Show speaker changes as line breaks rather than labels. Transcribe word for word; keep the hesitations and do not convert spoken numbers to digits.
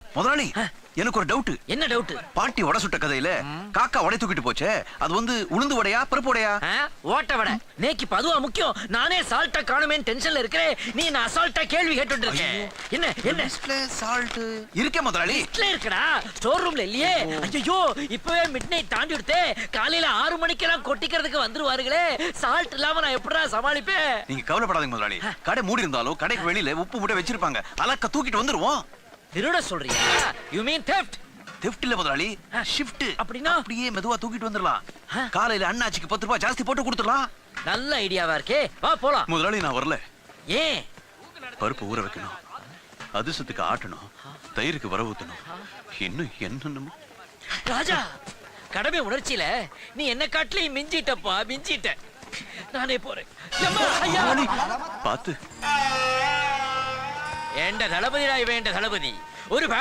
முதலாளி எனக்கு ஒரு டவுட்.
என்ன டவுட்?
பாட்டி வடை சுட்ட கதையில காக்கா வடை தூக்கிட்டு போச்சே, அது வந்து உளுந்து வடையா பருப்பு வடையா?
ஓட்ட வடை. நேக்கி பதுவா முக்கியம். நானே சால்ட்டா காணுமே டென்ஷன்ல இருக்கேன். நீ நான் அசால்ட்டா கேள்வி கேட்டுட்டு இருக்கேன். என்ன என்ன
லிஸ்ட்ல சால்ட் இருக்கே முதலாளி.
லிஸ்ட்ல இருக்கடா, ஸ்டோர் ரூம்ல இல்லையே. ஐயோ இப்பவே மிட் நைட் தாண்டி விடுதே. காலையில ஆறு மணிக்கெல்லாம் கொட்டிக்கிறதுக்கு வந்துருவாருங்களே. சால்ட் இல்லாம நான் எப்படிடா சமாளிப்பேன்?
நீங்க கவலைப்படாதீங்க முதலாளி. கடை மூடி இருந்தாலும் கடைக்கு வெளியில உப்பு மூட்டை வச்சிருப்பாங்க. அலக்க தூக்கிட்டு வந்துருவோம்.
திருட சொல்றியா? You mean theft?
theft இல்ல முதலாளி, ஷிஃப்ட்.
அப்படினா
அப்படியே மெதுவா தூக்கிட்டு வந்துடலாம். காலையில அண்ணாச்சிக்கு பத்து ரூபாய் ஜாஸ்தி போட்டு கொடுத்துடலாம்.
நல்ல ஐடியாவா இருக்கே. வா போலாம்.
முதலாளி நான் வரல.
ஏன்?
பருப்பு ஊற வைக்கணும், அதிர்ஷ்டத்துக்கு ஆட்டணும், தயிருக்கு வர ஊத்தணும், இன்னும் என்னன்னு.
ராஜா, கடமை உணர்ச்சியில நீ என்ன காட்டிலே மிஞ்சிட்டப்பா, மிஞ்சிட்ட. நானே போறேன்.
பாத்து.
என்ற தளபதிடா இவன், என்ற தளபதி. ஒரு